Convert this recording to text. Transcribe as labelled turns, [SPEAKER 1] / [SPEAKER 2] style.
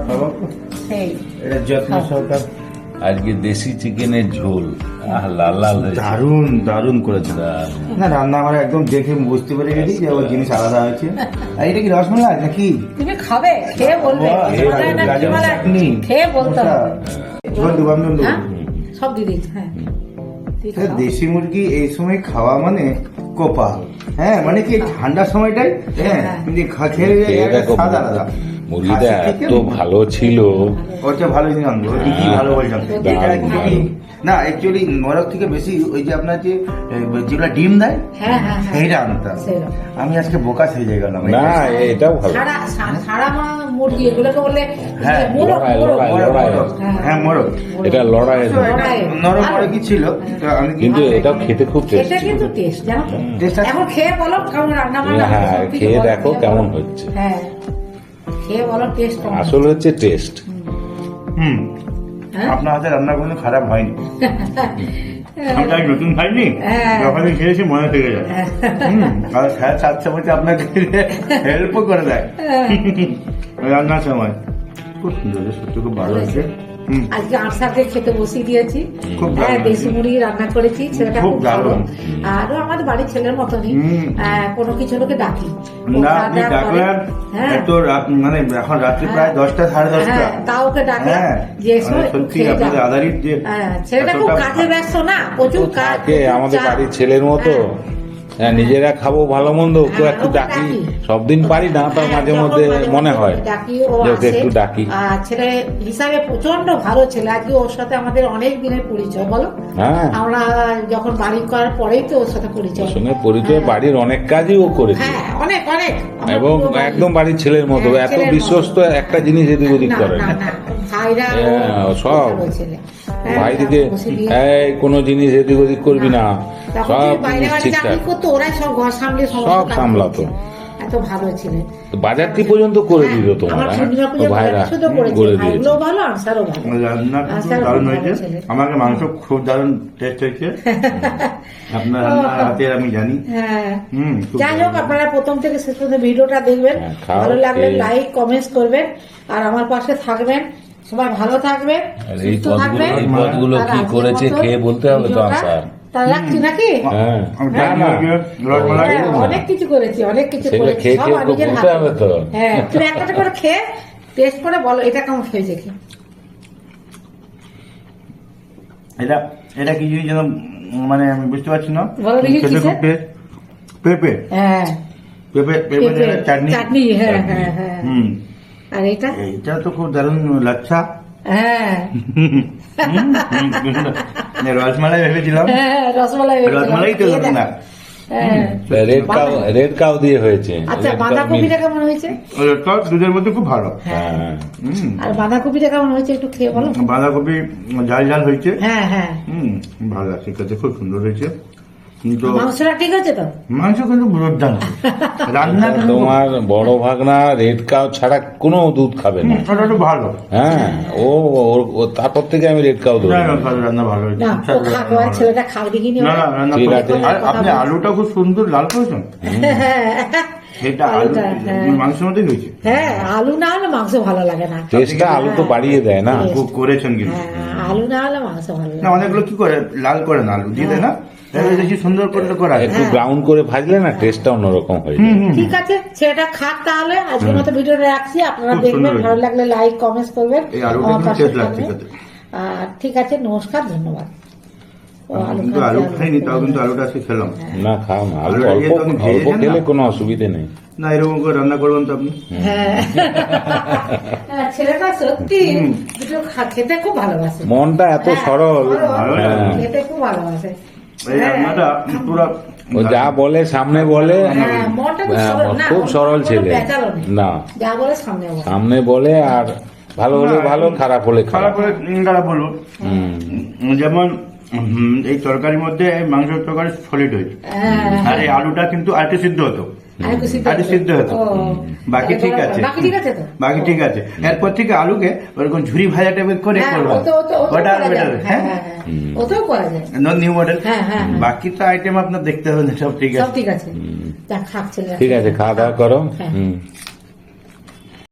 [SPEAKER 1] এটা যত্ন সহকার।
[SPEAKER 2] আজকে দেশি চিকেনের ঝোল, লাল লাল
[SPEAKER 1] দারুন দারুন করেছে। না রান্না আমার একদম দেখে বুঝতে পেরে গেছি যে ওর জিনিস আলাদা হয়েছে। আর এটা কি রসমালাই নাকি?
[SPEAKER 3] তুমি খাবে, খেয়ে বলবে খেয়ে বলতে হবে। সব দিয়ে দিচ্ছি। হ্যাঁ
[SPEAKER 1] দেশি মুরগি এই সময় খাওয়া মানে কোপা। হ্যাঁ মানে কি ঠান্ডার সময়টাই হ্যাঁ খেয়ে স্বাদ আলাদা।
[SPEAKER 2] মুরগিটা এত ভালো ছিল,
[SPEAKER 1] ওটা ভালো জিনিস আনবো, ভালো বলছিলাম না। অ্যাকচুয়ালি নরক থেকে বেশি ওই যে আপনার যে যেগুলো ডিম দেয় সেইটা আনতাম। আমি আজকে বোকা হয়ে গেলাম।
[SPEAKER 2] না এটাও ভালো।
[SPEAKER 3] সারা মুরগি এগুলোকে বলে
[SPEAKER 1] হ্যাঁ মোরগ,
[SPEAKER 2] এটা লড়াই
[SPEAKER 1] নরম মোরগই ছিল।
[SPEAKER 2] কিন্তু এটাও খেতে খুব টেস্ট,
[SPEAKER 3] কিন্তু টেস্ট জানো তো। এখন খেয়ে বলো কেমন রান্না বান্না।
[SPEAKER 2] হ্যাঁ খেয়ে দেখো কেমন হচ্ছে।
[SPEAKER 3] হ্যাঁ খেয়ে বলো টেস্ট
[SPEAKER 2] আসল হচ্ছে টেস্ট।
[SPEAKER 1] আপনার হাতে রান্না কোনো খারাপ হয়নি। আমি নতুন খাইনি, যখন খেয়েছি মনে থেকে যায়। আর স্যার সাথে সাথে আপনাকে হেল্পও করে দেয় রান্নার সময়। খুব সুন্দর, সত্যি খুব ভালো হয়েছে।
[SPEAKER 3] আজকে আটসাকে খেতে বসিয়ে দিয়েছি। হ্যাঁ দেশি মুড়ি রান্না করেছি, ছেলেটা খুব ভালো। আরো আমাদের বাড়ির ছেলের মতনই কোনো কিছু লোকে ডাকি
[SPEAKER 1] না। আপনি ডাকলেন তো মানে এখন রাত্রি প্রায় 10টা সাড়ে 10টা,
[SPEAKER 3] তাও ওকে ডাকে যে
[SPEAKER 1] সত্যি আপনাদের আধারিত যে
[SPEAKER 3] ছেলেটা খুব কাজে ব্যস্ত না, প্রচুর কাজ।
[SPEAKER 2] আমাদের বাড়ির ছেলের মতো নিজেরা খাবো ভালো মন্দ, ওকে একটু ডাকি। সব দিন পারি না, তার মাঝে মধ্যে মনে হয় একটু ডাকি।
[SPEAKER 3] ছেলে হিসাবে প্রচন্ড ভালো ছেলে। আজকে ওর সাথে আমাদের অনেক দিনের পরিচয় বলো। আমরা যখন বাড়ি করার পরেই তো ওর সাথে পরিচয়।
[SPEAKER 2] বাড়ির অনেক কাজই ও করেছে,
[SPEAKER 3] অনেক অনেক,
[SPEAKER 2] এবং একদম বাড়ির ছেলের মতো এত বিশ্বস্ত, একটা জিনিস এদিক ওদিক করে না।
[SPEAKER 3] ভাইরা
[SPEAKER 2] সব ভাই দিকে কোনো জিনিস এদিক ওদিক করবি না, সব জিনিস ঠিকঠাক সব সামলাতো।
[SPEAKER 3] এত ভালো ছিল,
[SPEAKER 2] বাজারটি পর্যন্ত করে দিল তোমার ভাইরা করে দিয়েছে।
[SPEAKER 1] আমাকে মাংস খুব দারুণ টেস্ট হয়েছে আপনার হাতের, আমি জানি।
[SPEAKER 3] যাই হোক আপনারা প্রথম থেকে শেষ পর্যন্ত ভিডিওটা দেখবেন, ভালো লাগলে লাইক কমেন্টস করবেন আর আমার পাশে থাকবেন। সবাই ভালো থাকবেন, সুস্থ থাকবেন।
[SPEAKER 2] এই পদগুলো কি করেছে খেয়ে বলতে হবে তো স্যার।
[SPEAKER 3] তা রাখছি নাকি? অনেক কিছু করেছি, অনেক কিছু করেছি, সব নিজের হাতে। হ্যাঁ তুমি একটা করে খেয়ে টেস্ট করে বলো এটা কেমন হয়েছে।
[SPEAKER 1] এটা এটা কি যেন মানে আমি বুঝতে পারছি না। পেঁপে, হ্যাঁ পেঁপে পেঁপে চাটনি।
[SPEAKER 3] হ্যাঁ হ্যাঁ হ্যাঁ। আর এটা
[SPEAKER 1] এটা তো খুব দারুণ লাচ্ছা।
[SPEAKER 3] হ্যাঁ
[SPEAKER 1] রসমালাই ভেবেছিলাম, রসমালাই তো না,
[SPEAKER 2] রেড কাউ দিয়ে হয়েছে।
[SPEAKER 3] আচ্ছা বাঁধাকপিটা কেমন হয়েছে?
[SPEAKER 1] দুধের মধ্যে খুব ভালো।
[SPEAKER 3] আর বাঁধাকপিটা কেমন হয়েছে একটু খেয়ে বলো।
[SPEAKER 1] বাঁধাকপি ঝাল ঝাল হয়েছে।
[SPEAKER 3] হ্যাঁ হ্যাঁ
[SPEAKER 1] ভালো লাগছে, খেতে খুব সুন্দর হয়েছে।
[SPEAKER 3] মাংসটা ঠিক আছে তো?
[SPEAKER 1] মাংস কিন্তু রান্না
[SPEAKER 2] তোমার বড় ভাগনা রেড কাউ ছাড়া কোনো দুধ খাবে না,
[SPEAKER 1] ভালো।
[SPEAKER 2] হ্যাঁ ও তারপর থেকে আমি রেড কাউ দেবো।
[SPEAKER 1] রান্না ভালো হয়েছে,
[SPEAKER 3] ছেলেটা খাবে দেখি।
[SPEAKER 1] আপনি আলুটা খুব সুন্দর লাল করেছেন। সেটা আলু মাংসের মধ্যেই হয়েছে।
[SPEAKER 3] হ্যাঁ আলু না হলে মাংস ভালো লাগে না,
[SPEAKER 2] টেস্টটা আলু তো বাড়িয়ে দেয় না।
[SPEAKER 1] খুব করেছেন কিন্তু
[SPEAKER 3] আলু না হলে মাংস ভালো লাগে না।
[SPEAKER 1] অনেকগুলো কি করে লাল করে না, আলু দিয়ে দেয় না, সুন্দর করে করা।
[SPEAKER 2] একটু ব্রাউন করে ভাজলে না টেস্টটা অন্যরকম হয়ে যায়।
[SPEAKER 3] ঠিক আছে সেটা খাক তাহলে। আজকের মতো ভিডিওটা রাখছি, আপনারা দেখবেন, ভালো লাগলে লাইক কমেন্টস করবেন। ঠিক আছে, নমস্কার, ধন্যবাদ।
[SPEAKER 1] আলু খাইনি, তাও কিন্তু আলুটা আজকে খেলাম।
[SPEAKER 2] না খাও না, আলু অল্প খেলে কোনো অসুবিধে নেই।
[SPEAKER 1] না এরকম করে রান্না করবেন তো আপনি।
[SPEAKER 3] হ্যাঁ ছেলেটা সত্যি খেতে খুব ভালোবাসে,
[SPEAKER 2] মনটা এত সরল,
[SPEAKER 3] খেতে খুব ভালোবাসে।
[SPEAKER 2] ও যা বলে সামনে বলে, খুব সরল ছেলে। না সামনে বলে, আর ভালো হলে ভালো, খারাপ হলে খারাপ
[SPEAKER 1] বলবো। যেমন এই তরকারির মধ্যে মাংসের তরকারি সলিড হয়েছে, আর এই আলুটা কিন্তু আরেকটু সিদ্ধ হতো, সিদ্ধ হতো। বাকি ঠিক আছে, বাকি ঠিক আছে। এরপর থেকে আলুকে ওরকম ঝুরি ভাজা টাইপের করে করবো, ওটা বেটার। হ্যাঁ নিউ মডেল। বাকি তো আইটেম আপনার দেখতে হবে, সব ঠিক আছে।
[SPEAKER 3] ঠিক আছে,
[SPEAKER 2] ঠিক আছে, খাওয়া দাওয়া করো।